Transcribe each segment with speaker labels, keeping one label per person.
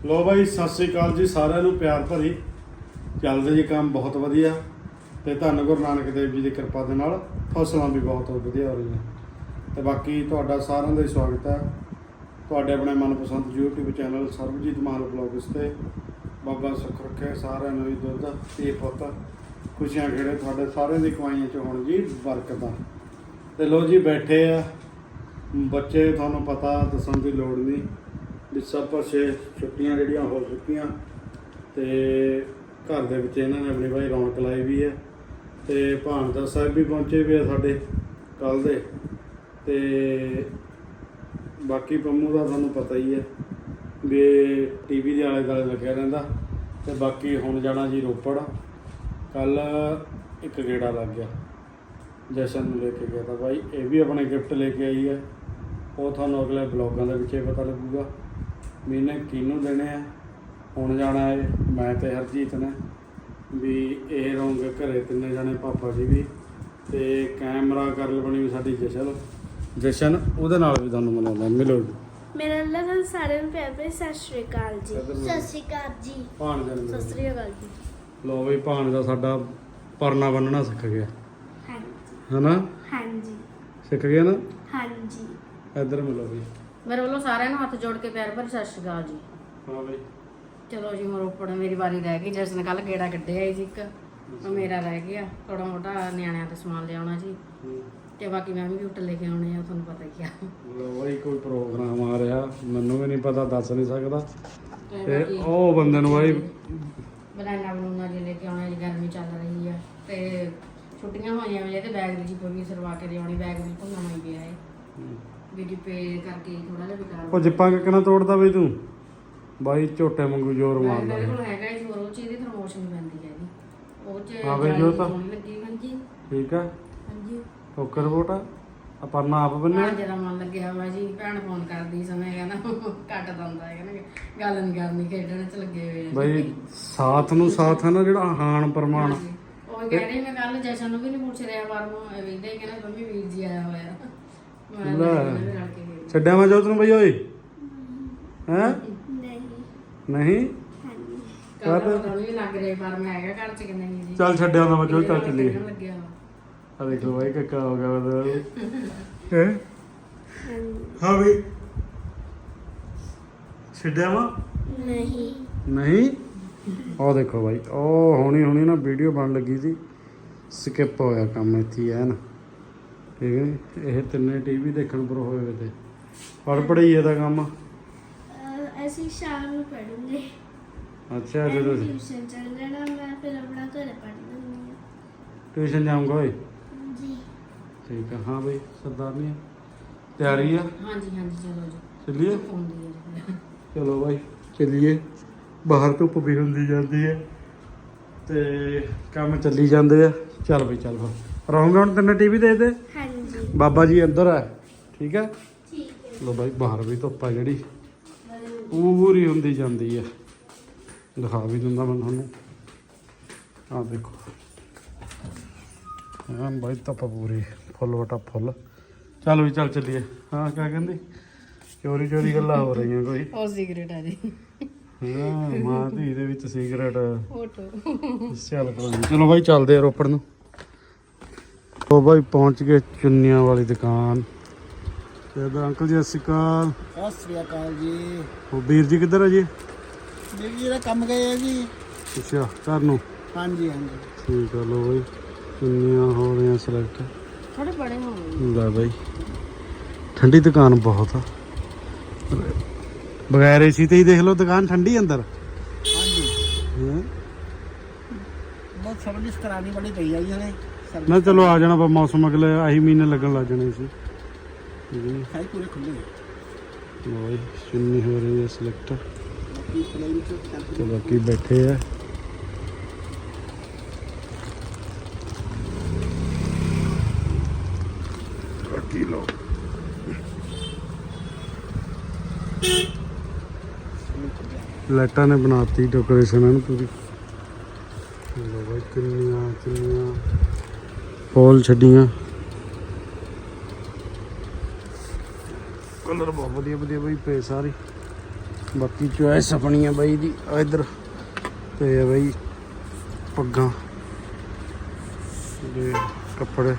Speaker 1: ਲੋ ਬਾਈ ਸਤਿ ਸ੍ਰੀ ਅਕਾਲ ਜੀ ਸਾਰਿਆਂ ਨੂੰ ਪਿਆਰ ਭਰੀ। ਚੱਲਦੇ ਜੀ ਕੰਮ ਬਹੁਤ ਵਧੀਆ ਤੇ ਧੰਨ ਗੁਰੂ ਨਾਨਕ ਦੇਵ ਜੀ ਦੀ ਕਿਰਪਾ ਦੇ ਨਾਲ ਫਸਲਾਂ ਵੀ ਬਹੁਤ ਵਧੀਆ ਹੋ ਰਹੀਆਂ ਤੇ ਬਾਕੀ ਤੁਹਾਡਾ ਸਾਰਿਆਂ ਦਾ ਸਵਾਗਤ ਹੈ ਤੁਹਾਡੇ ਆਪਣੇ ਮਨਪਸੰਦ YouTube channel Sarabjit Mahal blogs ਤੇ। ਬਾਬਾ ਸੁੱਖ ਰੱਖੇ ਸਾਰਿਆਂ ਨੂੰ ਵੀ ਦੁੱਧ ਤੇ ਪੁੱਤ ਖੁਸ਼ੀਆਂ ਖੇੜੇ ਤੁਹਾਡੇ ਸਾਰਿਆਂ ਦੀ ਕਮਾਈਆਂ 'ਚ ਹੋਣ ਜੀ ਬਰਕਤਾਂ। ਤੇ ਲੋ ਜੀ ਬੈਠੇ ਆ ਬੱਚੇ, ਤੁਹਾਨੂੰ ਪਤਾ ਦੱਸਣ ਦੀ ਲੋੜ ਨਹੀਂ ਵੀ ਸਭ ਪਾਸੇ ਛੁੱਟੀਆਂ ਜਿਹੜੀਆਂ ਹੋ ਚੁੱਕੀਆਂ ਤੇ ਘਰ ਦੇ ਵਿੱਚ ਇਹਨਾਂ ਨੇ ਆਪਣੀ ਭਾਈ ਰੌਣਕ ਲਾਈ ਵੀ ਹੈ ਤੇ ਭਾਨਸਾ ਸਾਹਿਬ ਵੀ ਪਹੁੰਚੇ ਵੀ ਆ ਸਾਡੇ ਕੱਲ੍ਹ ਦੇ। ਤੇ ਬਾਕੀ ਪੰਮੂ ਦਾ ਤੁਹਾਨੂੰ ਪਤਾ ਹੀ ਹੈ ਵੀ TV ਦੇ ਆਲੇ ਦੁਆਲੇ ਲੱਗਿਆ ਰਹਿੰਦਾ। ਤੇ ਬਾਕੀ ਹੁਣ ਜਾਣਾ ਜੀ ਰੋਪੜ, ਕੱਲ੍ਹ ਇੱਕ ਗੇੜਾ ਲੱਗ ਗਿਆ, ਜਸ਼ਨ ਨੂੰ ਲੈ ਕੇ ਗਿਆ ਤਾਂ ਭਾਈ ਇਹ ਵੀ ਆਪਣੇ ਗਿਫਟ ਲੈ ਕੇ ਆਈ ਹੈ। ਉਹ ਤੁਹਾਨੂੰ ਅਗਲੇ ਬਲੌਗਾਂ ਦੇ ਵਿੱਚ ਪਤਾ ਲੱਗੂਗਾ ਵੀ ਇਹਨੇ ਕਿਹਨੂੰ ਦੇਣੇ ਆ। ਹੁਣ ਜਾਣਾ ਹੈ ਮੈਂ ਤੇ ਹਰਜੀਤ ਨੇ, ਵੀ ਇਹ ਰਹੋਗੇ ਘਰੇ ਤਿੰਨੇ ਜਾਣੇ, ਪਾਪਾ ਜੀ ਵੀ ਤੇ ਕੈਮਰਾ ਗਰਲ ਬਣੀ ਵੀ ਸਾਡੀ ਜਸ਼ਨ, ਉਹਦੇ ਨਾਲ ਵੀ ਤੁਹਾਨੂੰ ਮਿਲਾਉਂਦਾ। ਮਿਲੋ ਜੀ।
Speaker 2: ਮੇਰਾ ਅੱਲਾ ਸਾਰਿਆਂ ਨੂੰ ਪਿਆਰ ਭਰੀ ਸਤਿ ਸ਼੍ਰੀ ਅਕਾਲ ਜੀ। ਸਤਿ ਸ਼੍ਰੀ ਅਕਾਲ ਜੀ।
Speaker 1: ਭਾਣਜਾ ਨੂੰ
Speaker 2: ਸਤਿ ਸ਼੍ਰੀ ਅਕਾਲ ਜੀ।
Speaker 1: ਲੋ ਬਈ ਭਾਣਜਾ ਸਾਡਾ ਪਰਨਾ ਬੰਨਣਾ ਸਿੱਖ ਗਿਆ,
Speaker 2: ਹਾਂਜੀ
Speaker 1: ਹਨਾ?
Speaker 2: ਹਾਂਜੀ
Speaker 1: ਸਿੱਖ ਗਿਆ ਨਾ?
Speaker 2: ਹਾਂਜੀ।
Speaker 1: ਇੱਧਰ ਮਿਲੋ ਬਈ।
Speaker 3: ਮੇਰੇ ਵੱਲੋਂ ਸਾਰਿਆਂ ਨੂੰ ਹੱਥ ਜੋੜ ਕੇ ਪਿਆਰ ਭਰੀ ਸਤਿ ਸ਼੍ਰੀ ਅਕਾਲ ਜੀ।
Speaker 1: ਹਾਂ ਬਈ
Speaker 3: ਚਲੋ ਜੀ ਹੁਣ ਰੋਪੜ ਮੇਰੀ ਵਾਰੀ ਰਹਿ ਗਈ। ਜਿਸ ਨੇ ਕੱਲ ਗੇੜਾ ਕੱਢਿਆ ਸੀ ਇੱਕ, ਉਹ ਮੇਰਾ ਰਹਿ ਗਿਆ। ਥੋੜਾ ਮੋਟਾ ਨਿਆਣਿਆਂ ਤੇ ਸਮਾਨ ਲਿਆਉਣਾ ਜੀ ਤੇ ਬਾਕੀ ਮੈਂ ਵੀ ਗਿਫਟ ਲੈ ਕੇ ਆਉਣੇ ਆ, ਤੁਹਾਨੂੰ ਪਤਾ ਹੀ ਆ।
Speaker 1: ਲੋ ਬਈ ਕੋਈ ਪ੍ਰੋਗਰਾਮ ਆ ਰਿਹਾ, ਮੈਨੂੰ ਵੀ ਨਹੀਂ ਪਤਾ, ਦੱਸ ਨਹੀਂ ਸਕਦਾ। ਤੇ ਉਹ ਬੰਦੇ ਨੂੰ ਬਾਈ
Speaker 3: ਬਨਾਨਾ ਬਣਾਉਣਾ ਜੀ ਲੈ ਕੇ ਆਉਣਾ ਜੀ, ਗਰਮੀ ਚੱਲ ਰਹੀ ਆ ਤੇ ਛੁੱਟੀਆਂ ਹੋਈਆਂ ਵੀ ਤੇ ਬੈਗ ਦੀ ਜੀ ਵੀ ਸਰਵਾ ਕੇ ਲਿਆਉਣੀ। ਬੈਗ ਵੀ ਭੁੰਨਣਾ ਹੀ ਪਿਆ ਹੈ ਵੀ ਡਿੱਪੇ ਕਰਕੇ ਥੋੜਾ ਜਿਹਾ ਬੇਕਾਰ।
Speaker 1: ਉਹ ਜਿੱਪਾਂ ਕਿੱਕਣਾ ਤੋੜਦਾ ਬਈ ਤੂੰ ਬਾਈ, ਝੋਟੇ ਵਾਂਗੂ ਜ਼ੋਰ ਮਾਰਦਾ।
Speaker 3: ਮੇਰੇ ਕੋਲ ਹੈਗਾ ਜੀ ਹੋਰ, ਉਹ ਚੀਜ਼ ਦੀ ਪ੍ਰਮੋਸ਼ਨ ਪੈਂਦੀ ਹੈ ਜੀ ਉਹ ਚ।
Speaker 1: ਹਾਂ ਬਈ ਜੋ ਤਾਂ
Speaker 3: ਲੱਗੀ ਹਾਂਜੀ
Speaker 1: ਠੀਕ ਆ।
Speaker 3: ਹਾਂਜੀ
Speaker 1: ਓਕੇ ਰਿਪੋਰਟ ਆ। ਪਰਨਾ ਆਪ ਬੰਨਿਆ?
Speaker 3: ਜਿਹੜਾ ਮਨ ਲੱਗਿਆ ਵਾ ਜੀ। ਭੈਣ ਫੋਨ ਕਰਦੀ ਸਮੇਂ ਕਹਿੰਦਾ ਕੱਟ ਦਿੰਦਾ ਹੈ, ਕਹਿੰਦਾ ਗੱਲ ਨਹੀਂ ਕਰਨੀ, ਖੇਡਣ ਚ ਲੱਗੇ ਹੋਏ ਆ
Speaker 1: ਬਈ। ਸਾਥ ਨੂੰ ਸਾਥ ਹੈ ਨਾ ਜਿਹੜਾ ਹਾਨ ਪ੍ਰਮਾਣ।
Speaker 3: ਉਹ ਕਹਿ ਰਹੀ ਮੈਂ ਕੱਲ ਜਸ਼ਨ ਨੂੰ ਵੀ ਨਹੀਂ ਪੁੱਛ ਰਿਹਾ ਬਾਹਰੋਂ, ਵੇਖਦੇ ਕਹਿੰਦਾ ਮੰਮੀ ਵੀਰ ਜੀ ਆਇਆ ਹੋਇਆ। ਮੈਂ ਰਲ ਕੇ ਗਈ।
Speaker 1: ਛੱਡਿਆ ਮੈਂ ਜੋਤ ਨੂੰ ਬਈ ਓਏ? ਹੈ
Speaker 2: ਨਹੀਂ
Speaker 1: ਨਹੀਂ
Speaker 2: ਹਾਂਜੀ।
Speaker 3: ਕੱਲ ਪਤਾ ਨਹੀਂ ਲੱਗ ਰਿਹਾ ਪਰ ਮੈਂ ਹੈਗਾ ਘਰ ਚ ਕਿ ਨਹੀਂ ਜੀ।
Speaker 1: ਚੱਲ ਛੱਡਿਆ ਹੁੰਦਾ ਮੈਂ ਜੋ, ਚੱਲ ਚੱਲੀਏ।
Speaker 3: ਲੱਗਿਆ ਵਾ।
Speaker 1: ਆ ਦੇਖੋ ਬਾਈ ਕੱਕਾ ਹੋ ਗਿਆ ਬਦਲ ਹੈ।
Speaker 2: ਹਾਂਜੀ।
Speaker 1: ਹਾਂ ਬਈ ਛੱਡਿਆ ਵਾ
Speaker 2: ਨਹੀਂ
Speaker 1: ਨਹੀਂ। ਉਹ ਦੇਖੋ ਬਾਈ, ਉਹ ਹੁਣੀ ਨਾ ਵੀਡੀਓ ਬਣ ਲੱਗੀ ਸੀ, ਸਕਿਪ ਹੋਇਆ ਕੰਮ ਇੱਥੇ ਹੈ ਨਾ, ਠੀਕ ਹੈ ਨੀ? ਇਹ ਤਿੰਨੇ TV ਦੇਖਣ ਪਰ ਹੋਏ ਵੇ ਤੇ ਪੜ ਪੜਾਈ ਇਹਦਾ ਕੰਮ।
Speaker 2: ਅਸੀਂ ਸ਼ਾਮ ਨੂੰ ਪੜ੍ਹਾਂਗੇ।
Speaker 1: ਅੱਛਾ ਜਦੋਂ
Speaker 2: ਟਿਊਸ਼ਨ ਚੱਲ ਜਾਣਾ, ਮੈਂ ਫਿਰ ਆਪਣਾ ਘਰੇ ਪੜ੍ਹ ਲੈਂਦੀ ਹਾਂ।
Speaker 1: ਟਿਊਸ਼ਨ ਜਾਊਂਗਾ ਓਏ?
Speaker 2: ਜੀ
Speaker 1: ਠੀਕ ਆ। ਹਾਂ ਬਈ ਸਰਦਾਰਨੀ ਤਿਆਰੀ ਆ?
Speaker 3: ਹਾਂਜੀ ਹਾਂਜੀ ਚਲੋ ਜੀ
Speaker 1: ਚੱਲੀਏ?
Speaker 3: ਫੋਨ ਦੀ ਹੈ।
Speaker 1: ਚਲੋ ਬਾਈ ਚੱਲੀਏ। ਬਾਹਰ ਧੁੱਪ ਵੀ ਹੁੰਦੀ ਜਾਂਦੀ ਹੈ ਤੇ ਕੰਮ ਚੱਲੀ ਜਾਂਦੇ ਆ। ਚੱਲ ਬਈ ਚੱਲ ਫਿਰ ਰਹੂੰਗਾ ਹੁਣ ਤੈਨੂੰ TV ਦੇ ਦੇ।
Speaker 2: ਹਾਂਜੀ
Speaker 1: ਬਾਬਾ ਜੀ ਅੰਦਰ ਆ, ਠੀਕ ਹੈ?
Speaker 2: ਠੀਕ ਹੈ।
Speaker 1: ਲੋ ਬਾਈ ਬਾਹਰ ਵੀ ਧੁੱਪ ਆ ਜਿਹੜੀ ਪੂਰੀ ਹੁੰਦੀ ਜਾਂਦੀ ਹੈ। ਦਿਖਾ ਵੀ ਦਿੰਦਾ ਮੈਂ ਤੁਹਾਨੂੰ, ਆਹ ਦੇਖੋ ਹਾਂ ਬਾਈ ਧੁੱਪ ਪੂਰੀ ਫੁੱਲ ਵਟਾ ਫੁੱਲ। ਚੱਲ ਵੀ ਚੱਲ ਚੱਲੀਏ। ਹਾਂ ਕਿਆ ਕਹਿੰਦੀ? ਚੋਰੀ ਚੋਰੀ ਗੱਲਾਂ ਹੋ ਰਹੀਆਂ ਕੋਈ?
Speaker 3: ਉਹ ਸਿਗਰਟ ਆ ਜੀ।
Speaker 1: ਹਾਂ ਮਾਂ ਧੀ ਦੇ ਵਿੱਚ ਸਿਗਰਟ।
Speaker 3: ਫੋਟੋ
Speaker 1: ਚੱਲ ਕੋਈ ਨੀ। ਚਲੋ ਬਾਈ ਚੱਲਦੇ ਆ ਰੋਪੜ ਨੂੰ। ਉਹ ਬਾਈ ਪਹੁੰਚ ਗਏ ਚੁੰਨੀਆਂ ਵਾਲੀ ਦੁਕਾਨ ਤੇ ਇੱਧਰ ਅੰਕਲ ਜੀ ਸਤਿ ਸ਼੍ਰੀ ਅਕਾਲ।
Speaker 4: ਸਤਿ ਸ੍ਰੀ ਅਕਾਲ ਜੀ।
Speaker 1: ਉਹ ਵੀਰ ਜੀ ਕਿੱਧਰ ਆ ਜੀ?
Speaker 4: ਵੀਰ ਜੀ ਦਾ ਕੰਮ ਗਏ ਆ ਜੀ।
Speaker 1: ਅੱਛਾ ਘਰ ਨੂੰ?
Speaker 4: ਹਾਂਜੀ ਹਾਂਜੀ।
Speaker 1: ਠੀਕ ਆ। ਲੋ ਬਾਈ ਚੁੰਨੀਆਂ ਹੋ ਰਹੀਆਂ ਸਿਲੈਕਟ।
Speaker 3: ਥੋੜੇ ਬੜੇ ਹੋ ਗਏ।
Speaker 1: ਲੈ ਬਾਈ ਠੰਡੀ ਦੁਕਾਨ ਬਹੁਤ ਆ, ਬਗੈਰ AC ਤੇ ਹੀ ਦੇਖ ਲਓ ਦੁਕਾਨ ਠੰਡੀ ਅੰਦਰ।
Speaker 4: ਹਾਂਜੀ
Speaker 1: ਹੈਂ?
Speaker 4: ਬਹੁਤ ਸਰਵਿਸ ਕਰਾਣੀ ਬੜੀ ਪਈ ਆ ਜੀ ਹਲੇ।
Speaker 1: ਨਾ ਚਲੋ ਆ ਜਾਣਾ ਮੌਸਮ ਅਗਲੇ ਆਹੀ ਮਹੀਨੇ ਲੱਗਣ ਲੱਗ ਜਾਣੇ ਸੀ।
Speaker 4: ਸਾਈ ਪੂਰੇ ਖੁੱਲੇ
Speaker 1: ਲੋ ਬਾਈ ਚੁੰਨੀ ਹੋ ਰਹੀ ਹੈ ਸਿਲੈਕਟ ਤੇ ਬਾਕੀ ਬੈਠੇ ਆ। ਬਾਕੀ ਲੋ ਲਾਈਟਾਂ ਨੇ ਬਣਾਤੀ ਡੈਕੋਰੇਸ਼ਨ ਇਹਨੂੰ ਪੂਰੀ। ਲੋ ਬਾਈ ਕਿੰਨੀਆਂ ਫੁੱਲ ਛੱਡੀਆਂ। ਕਲਰ ਬਹੁਤ ਵਧੀਆ ਵਧੀਆ ਬਈ ਪਏ ਸਾਰੇ। ਬਾਕੀ ਚੋਇਸ ਆਪਣੀ ਆ ਬਾਈ ਦੀ ਇਧਰ ਤੇ ਆ ਬਾਈ ਪੱਗਾਂ ਤੇ ਕੱਪੜੇ।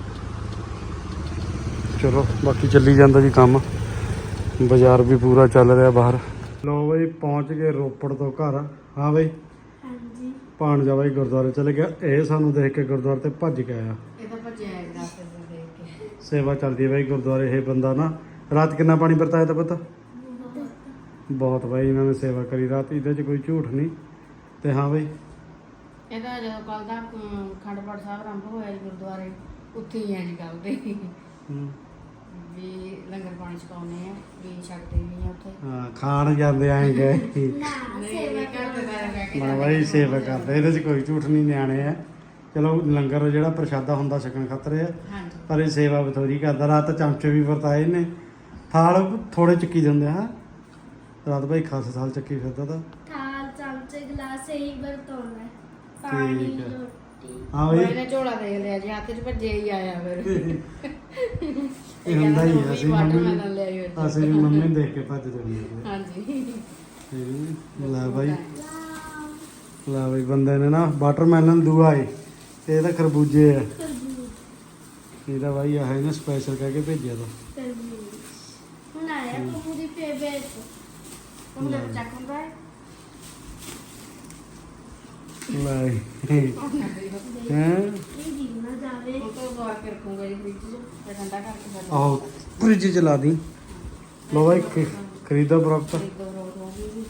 Speaker 1: ਚਲੋ ਬਾਕੀ ਚੱਲੀ ਜਾਂਦਾ ਜੀ ਕੰਮ, ਬਾਜ਼ਾਰ ਵੀ ਪੂਰਾ ਚੱਲ ਰਿਹਾ ਬਾਹਰ। ਲੋ ਬਾਈ ਪਹੁੰਚ ਗਏ ਰੋਪੜ ਤੋਂ ਘਰ। ਹਾਂ ਬਾਈ
Speaker 2: ਹਾਂਜੀ
Speaker 1: ਭਾਣਜਾ ਬਾਈ ਗੁਰਦੁਆਰੇ ਚਲੇ ਗਿਆ, ਇਹ ਸਾਨੂੰ ਦੇਖ ਕੇ ਗੁਰਦੁਆਰੇ ਤੇ ਭੱਜ ਕੇ ਆਇਆ।
Speaker 3: ਇਹ ਤਾਂ ਭੱਜਿਆ ਹੈ ਰਸਤੇ ਤੋਂ ਦੇਖ ਕੇ।
Speaker 1: ਸੇਵਾ ਚੱਲਦੀ ਹੈ ਬਾਈ ਗੁਰਦੁਆਰੇ। ਇਹ ਬੰਦਾ ਨਾ ਰਾਤ ਕਿੰਨਾ ਪਾਣੀ ਵਰਤਾਇਆ ਤਾਂ ਪਤਾ ਬਹੁਤ ਬਾਈ ਇਹਨਾਂ ਨੇ ਸੇਵਾ ਕਰੀ ਰਾਤ, ਇਹਦੇ 'ਚ ਕੋਈ ਝੂਠ ਨਹੀਂ। ਤੇ ਹਾਂ ਬਾਈ
Speaker 3: ਇਹਦਾ ਜਦੋਂ ਕੱਲ ਦਾ ਅਖੰਡ ਪਾਠ ਸਾਹਿਬ ਆਰੰਭ ਹੋਇਆ ਜੀ ਗੁਰਦੁਆਰੇ, ਉੱਥੇ ਹੀ ਹੈ ਜੀ ਕੱਲ ਦੇ ਵੀ ਲੰਗਰ ਪਾਣੀ ਛਕਾਉਂਦੇ ਆ ਵੀ ਛਕਦੇ ਵੀ ਆ ਉੱਥੇ।
Speaker 1: ਹਾਂ ਖਾਣ ਜਾਂਦੇ ਆਏ ਗਏ
Speaker 2: ਨਾ
Speaker 3: ਨਹੀਂ
Speaker 2: ਸੇਵਾ
Speaker 3: ਘਰ ਦੇ ਸਾਰੇ ਬਹਿ ਕੇ
Speaker 1: ਮੈਂ ਬਾਈ ਸੇਵਾ ਕਰਦੇ, ਇਹਦੇ 'ਚ ਕੋਈ ਝੂਠ ਨਹੀਂ। ਨਿਆਣੇ ਆ ਚਲੋ ਲੰਗਰ ਜਿਹੜਾ ਪ੍ਰਸ਼ਾਦਾ ਹੁੰਦਾ ਛਕਣ ਖਾਤਰ ਆ,
Speaker 3: ਹਾਂਜੀ
Speaker 1: ਪਰ ਇਹ ਸੇਵਾ ਬਥੋਰੀ ਕਰਦਾ। ਰਾਤ ਚਮਚੇ ਵੀ ਵਰਤਾਏ ਨੇ, ਥਾਲ ਥੋੜੇ ਚੱਕੀ ਜਾਂਦੇ ਆ। ਰਾਤ ਭਾਈ ਖਾਸ ਥਾਲ ਚੱਕੀ ਫਿਰਦਾ ਤਾਂ।
Speaker 2: ਥਾਲ ਚਮਚੇ ਗਲਾਸ ਇਹੀ ਵਰਤੋਣਾ, ਪਾਣੀ
Speaker 1: ਠੀਕ ਹੈ।
Speaker 2: ਰੋਟੀ।
Speaker 1: ਹਾਂ
Speaker 3: ਉਹ
Speaker 1: ਬਾਈ
Speaker 3: ਇਹਨੇ ਝੋਲਾ ਦੇਖ ਲਿਆ ਜੀ, ਹੱਥ 'ਚ ਭੱਜੇ ਹੀ ਆਇਆ ਫਿਰ।
Speaker 1: ਇਹ ਹੁੰਦਾ ਹੀ ਆ, ਅਸੀਂ
Speaker 3: ਵਾਟਰਮੈਲਨ ਲਿਆਈ ਹੋਈ ਸੀ।
Speaker 1: ਅਸੀਂ ਵੀ ਮੰਮੀ ਨੂੰ ਦੇਖ ਕੇ ਭੱਜ ਜਾਂਦੇ ਆ।
Speaker 3: ਹਾਂਜੀ
Speaker 1: ਲੈ ਬਾਈ ਲੈ ਬਾਈ ਬੰਦੇ ਨੇ ਨਾ ਵਾਟਰਮੈਲਨ ਦੂਆ ਏ, ਇਹ ਤਾਂ ਖਰਬੂਜੇ ਆ। ਇਹਦਾ ਬਾਈ ਆਹ ਇਹਨੇ ਸਪੈਸ਼ਲ ਕਹਿ ਕੇ ਭੇਜਿਆ ਤਾਂ।
Speaker 2: ਹੁਣ ਆਇਆ ਪੂਰੀ ਫੇਵਰੇਟ।
Speaker 3: ਹੁਣ ਜਦ ਚੱਕ ਹੁੰਦਾ ਹੈ
Speaker 1: ਲੈ ਹੈਂ
Speaker 2: ਇਹ ਗਿਰ ਨਾ ਜਾਵੇ।
Speaker 3: ਉਹ ਤੋਂ ਬਾਅਦ ਕੇ ਰੱਖੂੰਗਾ ਜੀ ਫ੍ਰਿਜ 'ਚ ਤੇ ਠੰਡਾ ਕਰਕੇ ਫਿਰ
Speaker 1: ਆਹੋ ਫ੍ਰਿਜ ਚ ਲਾ ਦੀ। ਲੋ ਬਾਈ ਖਰੀਦੋ ਪ੍ਰੋਪਰ।
Speaker 3: ਦੋ ਰੋਜ਼ ਹੋ ਗਈ।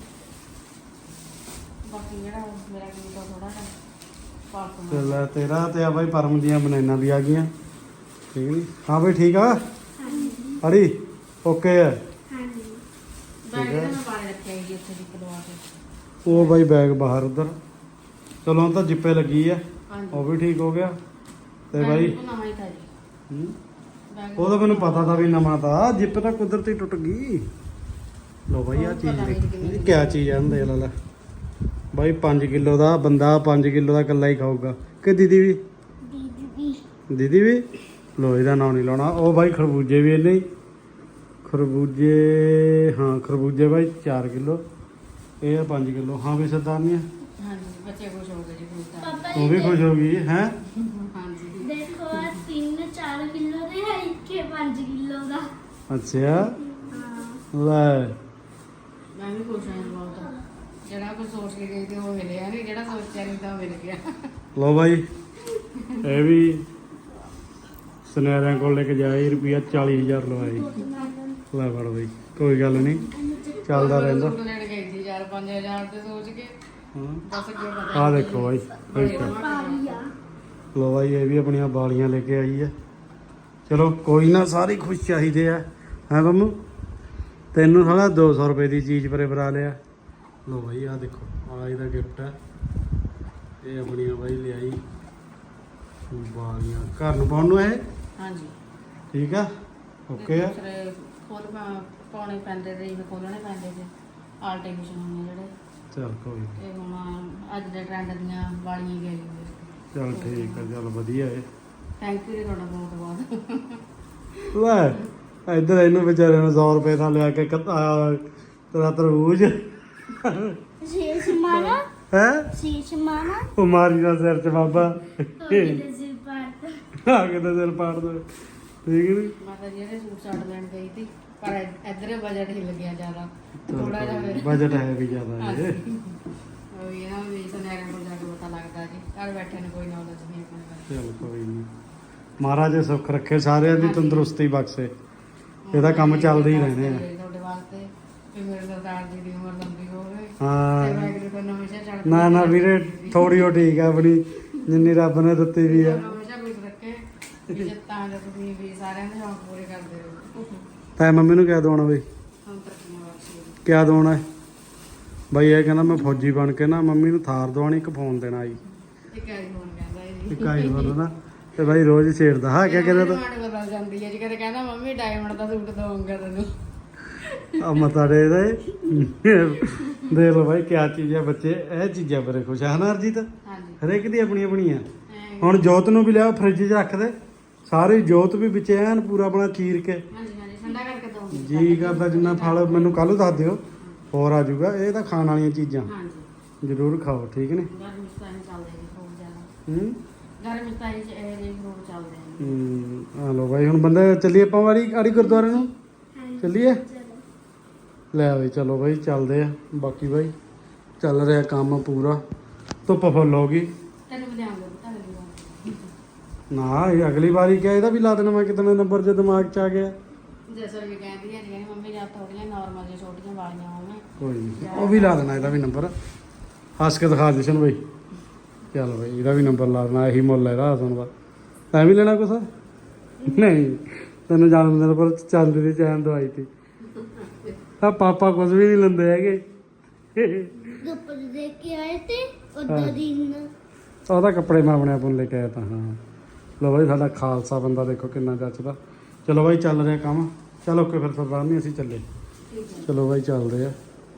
Speaker 3: ਬਾਕੀ ਜਿਹੜਾ ਮੇਰਾ ਕੀ ਥੋੜਾ ਜਿਹਾ ਪਾਸ
Speaker 1: ਤੇ ਲੈ ਤੇਰਾ ਤੇ ਆ ਬਾਈ ਪਰਮ ਦੀਆਂ ਬਨਾਨਾ ਵੀ ਆ ਗਈਆਂ, ਠੀਕ ਨੀ? ਹਾਂ ਬਾਈ ਠੀਕ ਆ
Speaker 2: ਹਾਂਜੀ
Speaker 1: ਅੜੀ ਓਕੇ ਆ।
Speaker 2: ਹਾਂਜੀ
Speaker 3: ਬੈਗ ਤੇ ਮੈਂ ਪਾਣੀ ਰੱਖਿਆ ਜੀ ਉੱਥੇ ਦੀ ਪਲਵਾ ਕੇ।
Speaker 1: ਉਹ ਬਾਈ ਬੈਗ ਬਾਹਰ ਉਧਰ। ਚਲੋ ਹੁਣ ਤਾਂ ਜਿੱਪੇ ਲੱਗੀ ਆ,
Speaker 3: ਹਾਂਜੀ
Speaker 1: ਉਹ ਵੀ ਠੀਕ ਹੋ ਗਿਆ। ਤੇ ਬਾਈ
Speaker 3: ਉਹ ਨਵਾਂ ਹੀ ਤਾਂ ਜੀ
Speaker 1: ਹੂੰ,
Speaker 3: ਬੈਗ
Speaker 1: ਉਹ ਤਾਂ ਮੈਨੂੰ ਪਤਾ ਤਾਂ ਵੀ ਨਵਾਂ ਤਾਂ ਜਿੱਪ ਤਾਂ ਕੁਦਰਤੀ ਟੁੱਟ ਗਈ। ਲੋ ਬਾਈ ਆ ਚੀਜ਼ ਦੇਖ ਕਿਆ ਚੀਜ਼ ਆ ਹੁੰਦੇ ਲੈ ਬਾਈ 5 ਕਿਲੋ ਦਾ ਬੰਦਾ 5 ਕਿਲੋ ਦਾ ਇਕੱਲਾ ਹੀ ਖਾਊਗਾ ਕਿ ਦੀਦੀ ਵੀ? ਦੀਦੀ ਵੀ। ਲੋ ਇਹਦਾ ਨਾਂ ਨਹੀਂ ਲਾਉਣਾ। ਉਹ ਬਾਈ ਖਰਬੂਜੇ ਵੀ ਇਹਨੇ ਹੀ। ਖਰਬੂਜੇ ਹਾਂ ਖਰਬੂਜੇ ਬਾਈ 4 ਕਿਲੋ, ਇਹ ਆ 5 ਕਿਲੋ। ਹਾਂ ਵੀ ਸਰਦਾਰਨੀ
Speaker 3: ਹਾਂਜੀ ਬੱਚੇ ਖੁਸ਼ ਹੋ ਗਏ ਜੀ ਫਰੂਟ ਦਾ।
Speaker 2: ਪਾਪਾ
Speaker 1: ਉਹ ਵੀ ਖੁਸ਼ ਹੋ ਗਈ ਹੈ।
Speaker 3: ਹਾਂਜੀ
Speaker 2: ਦੇਖੋ 3-4 ਕਿਲੋ ਦੇ ਹੈ, ਇੱਕ 5 ਕਿਲੋ ਦਾ।
Speaker 1: ਅੱਛਾ
Speaker 2: ਹਾਂ
Speaker 1: ਲੈ
Speaker 3: ਮੈਂ ਵੀ ਖੁਸ਼ ਹਾਂ ਜੀ ਬਹੁਤ। ਜਿਹੜਾ ਕੁਝ ਸੋਚ ਕੇ ਗਈ ਤੇ ਉਹ ਮਿਲਿਆ ਨਹੀਂ, ਜਿਹੜਾ ਸੋਚਿਆ ਨਹੀਂ ਤਾਂ ਉਹ ਮਿਲ ਗਿਆ।
Speaker 1: ਲੋ ਬਾਈ ਇਹ ਵੀ ਸੁਨਹਿਰਿਆਂ ਕੋਲ ਲੈ ਕੇ ਜਾਏ, ਰੁਪਿਆ 40,000 ਲਵਾਈ। ਲੈ ਫੜ ਬਾਈ ਕੋਈ ਗੱਲ ਨਹੀਂ, ਚੱਲਦਾ ਰਹਿੰਦਾ।
Speaker 3: ਸੂਟ ਲੈਣ ਗਈ ਸੀ 4-5 ਹਜ਼ਾਰ ਤੇ ਸੋਚ ਕੇ
Speaker 1: ਹਾਂ
Speaker 3: ਦੱਸ ਅੱਗੇ ਪਤਾ
Speaker 1: ਆ ਦੇਖੋ ਬਾਈ ਠੀਕ ਆ।
Speaker 2: ਪਾਰੀ ਆ।
Speaker 1: ਲੋ ਬਾਈ ਇਹ ਵੀ ਆਪਣੀਆਂ ਬਾਲੀਆਂ ਲੈ ਕੇ ਆਈ ਹੈ। ਚਲੋ ਕੋਈ ਨਾ, ਸਾਰੇ ਖੁਸ਼ ਚਾਹੀਦੇ ਆ ਹੈ ਬੰਮੂ। ਤੈਨੂੰ ਸਾਲਾ 200 ਰੁਪਏ ਦੀ ਚੀਜ਼ ਪਰੇ ਬਰਾ ਲਿਆ। ਲੋ ਬਾਈ ਆ ਦੇਖੋ ਆ ਇਹਦਾ ਗਿਫਟ ਹੈ। ਇਹ ਆਪਣੀਆਂ ਬਾਈ ਲਿਆਈ ਬਾਲੀਆਂ ਘਰ ਨੂੰ ਪਾਉਣ ਨੂੰ ਇਹ।
Speaker 3: ਹਾਂਜੀ
Speaker 1: ਠੀਕ ਆ ਓਕੇ ਆ।
Speaker 3: ਦੂਸਰੇ ਖੋਲ ਪਾਉਣੇ ਪੈਂਦੇ ਤੇ ਇਹ ਖੋਲਣੇ ਪੈਂਦੇ ਤੇ ਆਰਟੀਫੀਸ਼ਲ ਹੁੰਦੇ ਜਿਹੜੇ।
Speaker 1: ਚਲ ਕੋਈ ਨੀ।
Speaker 3: ਤੇ ਹੁਣ ਅੱਜ ਦੇ ਟ੍ਰੈਂਡ ਦੀਆਂ ਵਾਲੀਆਂ ਗਏ ਜੀ।
Speaker 1: ਚੱਲ ਠੀਕ ਆ, ਚੱਲ ਵਧੀਆ ਏ।
Speaker 3: ਥੈਂਕ ਯੂ ਜੀ ਤੁਹਾਡਾ ਬਹੁਤ ਬਹੁਤ।
Speaker 1: ਲੈ ਇੱਧਰ ਇਹਨੂੰ ਵਿਚਾਰੇ ਨੂੰ 100 ਰੁਪਏ ਦਾ ਲਿਆ ਕੇ ਤੇਰਾ ਤਰਬੂਜ
Speaker 2: ਸ਼ੀਸ਼ ਮਾਰਾ
Speaker 1: ਹੈ।
Speaker 2: ਸ਼ੀਸ਼ ਮਾਰਾ
Speaker 1: ਉਹ ਮਾਰੀ ਦਾ ਸਿਰ ਚ ਬਾਬਾ
Speaker 2: ਉਹਦੇ ਸਿਰ ਪਾਟ।
Speaker 1: ਆ ਕੇ ਤਾਂ ਸਿਰ ਪਾੜ ਦੋ, ਠੀਕ ਨੀ?
Speaker 3: ਮੈਂ ਤਾਂ ਜਿਹੜੇ ਸੂਟ ਸਾਟ ਲੈਣ ਗਈ ਸੀ ਪਰ ਇੱਧਰ ਬਜਟ ਹੀ ਲੱਗਿਆ ਜ਼ਿਆਦਾ ਥੋੜਾ ਜਿਹਾ ਫਿਰ
Speaker 1: ਬਜਟ ਹੈ ਵੀ ਜ਼ਿਆਦਾ ਇਹ।
Speaker 3: ਉਹ ਇਹ ਨਾ ਵੀ ਸੁਨਹਿਰਿਆਂ ਕੋਲ ਜਾ ਕੇ ਪਤਾ ਲੱਗਦਾ ਜੀ, ਘਰ ਬੈਠੇ ਨੂੰ ਕੋਈ ਨੌਲੇਜ ਨਹੀਂ ਆਪਣੇ ਬਾਰੇ।
Speaker 1: ਚਲ ਕੋਈ ਨਹੀਂ, ਮਹਾਰਾਜ ਸੁੱਖ ਰੱਖੇ, ਸਾਰਿਆਂ ਦੀ ਤੰਦਰੁਸਤੀ ਬਖਸ਼ੇ। ਇਹਦਾ ਕੰਮ ਚੱਲਦੇ ਹੀ ਰਹਿਣੇ ਆ।
Speaker 3: ਤੁਹਾਡੇ ਵਾਸਤੇ ਵੀ ਮੇਰੇ ਸਰਦਾਰ ਜੀ ਦੀ ਉਮਰ ਲੰਬੀ ਹੋਵੇ
Speaker 1: ਹਾਂ
Speaker 3: ਤੇ ਵਾਹਿਗੁਰੂ ਤੋਂ ਹਮੇਸ਼ਾ ਚੜ੍ਹਦੀ
Speaker 1: ਨਾ ਨਾ ਵੀਰੇ ਥੋੜੀ ਉਹ ਠੀਕ ਆ ਆਪਣੀ ਜਿੰਨੀ ਰੱਬ ਨੇ ਦਿੱਤੀ ਵੀ ਆ।
Speaker 3: ਹਮੇਸ਼ਾ ਕੁਝ ਰੱਖੇ ਇੱਜ਼ਤਾਂ ਦਾ ਤੁਸੀਂ ਵੀ ਸਾਰਿਆਂ ਦੇ ਸ਼ੌਂਕ ਪੂਰੇ ਕਰਦੇ ਰਹੋ।
Speaker 1: ਤੈ ਮੰਮੀ ਨੂੰ ਕਿਆ ਦਵਾਉਣਾ ਬਈ?
Speaker 3: ਹੁਣ ਤਰੱਕੀਆਂ ਬਖਸ਼ੇ।
Speaker 1: ਕਿਆ ਦਵਾਉਣਾ ਹੈ ਬਈ? ਇਹ ਕਹਿੰਦਾ ਮੈਂ ਫੌਜੀ ਬਣ ਕੇ ਨਾ ਮੰਮੀ ਨੂੰ ਥਾਰ ਦਵਾਉਣੀ, ਇੱਕ ਫੋਨ ਦੇਣਾ ਜੀ।
Speaker 3: ਇੱਕ ਆਈਫੋਨ ਕਹਿੰਦਾ ਇਹ ਜੀ।
Speaker 1: ਇੱਕ ਆਈਫੋਨ ਨਾ ਤੇ ਬਾਈ ਰੋਜ਼ ਛੇੜਦਾ। ਹਾਂ ਕਿਆ ਕਹਿੰਦਾ ਤਾ?
Speaker 3: ਡਿਮਾਂਡ ਬਦਲ ਜਾਂਦੀ ਹੈ ਜੀ, ਕਦੇ ਕਹਿੰਦਾ ਮੰਮੀ ਡਾਇਮੰਡ ਦਾ ਸੂਟ ਦਵਾਂਗਾ ਤੈਨੂੰ।
Speaker 1: ਆ ਮਤਾ ਦੇ ਦੇਖ ਲਓ ਬਾਈ ਕਿਆ ਚੀਜ਼ ਹੈ। ਬੱਚੇ ਇਹ ਚੀਜ਼ਾਂ ਬੜੇ ਖੁਸ਼ ਆ ਹਨਾ ਅਰਜੀਤ?
Speaker 3: ਹਾਂਜੀ
Speaker 1: ਹਰੇਕ ਦੀ ਆਪਣੀ ਆਪਣੀ ਆ।
Speaker 3: ਐਂ
Speaker 1: ਹੁਣ ਜੋਤ ਨੂੰ ਵੀ ਲਿਆ ਫ੍ਰਿਜ 'ਚ ਰੱਖ ਦੇ, ਸਾਰੀ ਜੋਤ ਵੀ ਵਿੱਚ ਐਨ ਪੂਰਾ ਆਪਣਾ ਚੀਰ ਕੇ
Speaker 3: ਹਾਂਜੀ ਹਾਂਜੀ ਠੰਡਾ ਕਰਕੇ ਦਵਾਂਗੀ।
Speaker 1: ਜੀ ਕਰਦਾ ਜਿੰਨਾ ਫਲ ਮੈਨੂੰ ਕੱਲ ਦੱਸ ਦਿਓ, ਹੋਰ ਆ ਜਾਊਗਾ। ਇਹ ਤਾਂ ਖਾਣ ਵਾਲੀਆਂ ਚੀਜ਼ਾਂ
Speaker 3: ਹਾਂਜੀ
Speaker 1: ਜ਼ਰੂਰ ਖਾਓ, ਠੀਕ ਨੇ।
Speaker 3: ਗਰਮੀ ਚ ਤਾਂ ਇਹ ਚੱਲਦੇ ਨੇ ਫਰੂਟ ਜ਼ਿਆਦਾ।
Speaker 1: ਹੂੰ
Speaker 3: ਗਰਮੀ ਚ ਤਾਂ ਇਹ ਜਿਹੇ ਫਰੂਟ ਚੱਲਦੇ ਨੇ।
Speaker 1: ਆ ਲੋ ਬਾਈ, ਹੁਣ ਬੰਦੇ ਚੱਲੀਏ ਆਪਾਂ ਆੜੀ ਗੁਰਦੁਆਰੇ ਨੂੰ। ਚੱਲੀਏ ਲੈ ਬਈ, ਚਲੋ ਬਾਈ ਚੱਲਦੇ ਆ। ਬਾਕੀ ਬਾਈ ਚੱਲ ਰਿਹਾ ਕੰਮ ਪੂਰਾ, ਧੁੱਪ ਫੁੱਲ ਹੋ ਗਈ
Speaker 3: ਤੈਨੂੰ ਵੀ ਲਿਆਉਂਗਾ ਪਤਾ ਲੱਗੂਗਾ।
Speaker 1: ਨਾ। ਇਹ ਅਗਲੀ ਵਾਰੀ ਕਿਹਾ ਇਹਦਾ ਵੀ ਲਾ ਦੇਣਾ ਮੈਂ, ਕਿਤਨੇ ਨੰਬਰ 'ਚ ਦਿਮਾਗ 'ਚ ਆ ਗਿਆ।
Speaker 3: ਜੈਸਾ ਵੀ ਕਹਿੰਦੀ ਹੈ ਜੀ ਮੰਮੀ ਜਾਂ ਥੋੜੀਆਂ ਨਾਰਮਲ ਜਿਹੀਆਂ ਛੋਟੀਆਂ ਵਾਲੀਆਂ ਹੋਣ।
Speaker 1: ਕੋਈ ਨਹੀਂ, ਉਹ ਵੀ ਲਾ ਦੇਣਾ ਇਹਦਾ ਵੀ ਨੰਬਰ। ਹੱਸ ਕੇ ਦਿਖਾ ਜਸ਼ਨ ਬਾਈ। ਚੱਲ ਬਾਈ, ਇਹਦਾ ਵੀ ਨੰਬਰ ਲਾ ਦੇਣਾ। ਇਹੀ ਮੁੱਲ ਹੈ ਇਹਦਾ ਹਸਨ ਦਾ। ਤੈਂ ਵੀ ਲੈਣਾ ਕੁਛ? ਨਹੀਂ, ਤੈਨੂੰ ਜਨਮ ਦਿਨ ਪਰ ਚਾਂਦੀ ਦੀ ਚੈਨ ਦਵਾਈ ਤੀ। ਆ ਪਾਪਾ ਕੁਝ ਵੀ ਨਹੀਂ ਲੈਂਦੇ ਹੈਗੇ।
Speaker 2: ਗੱਪਰ ਦੇ ਕੇ ਆਏ ਤੇ ਉਦੋਂ ਦਿਨ
Speaker 1: ਉਹਦਾ ਕੱਪੜੇ ਮੈਂ ਆਪਣੇ ਆਪ ਨੂੰ ਲੈ ਕੇ ਆਇਆ ਤਾਂ। ਹਾਂ ਲੋ ਬਾਈ, ਸਾਡਾ ਖਾਲਸਾ ਬੰਦਾ ਦੇਖੋ ਕਿੰਨਾ ਜੱਚਦਾ। ਚਲੋ ਬਾਈ ਚੱਲ ਰਿਹਾ ਕੰਮ। ਚਲੋ ਓਕੇ ਫਿਰ ਸਰਦਾਰ ਨਹੀਂ, ਅਸੀਂ ਚੱਲੇ। ਚਲੋ ਬਾਈ ਚੱਲਦੇ ਆ।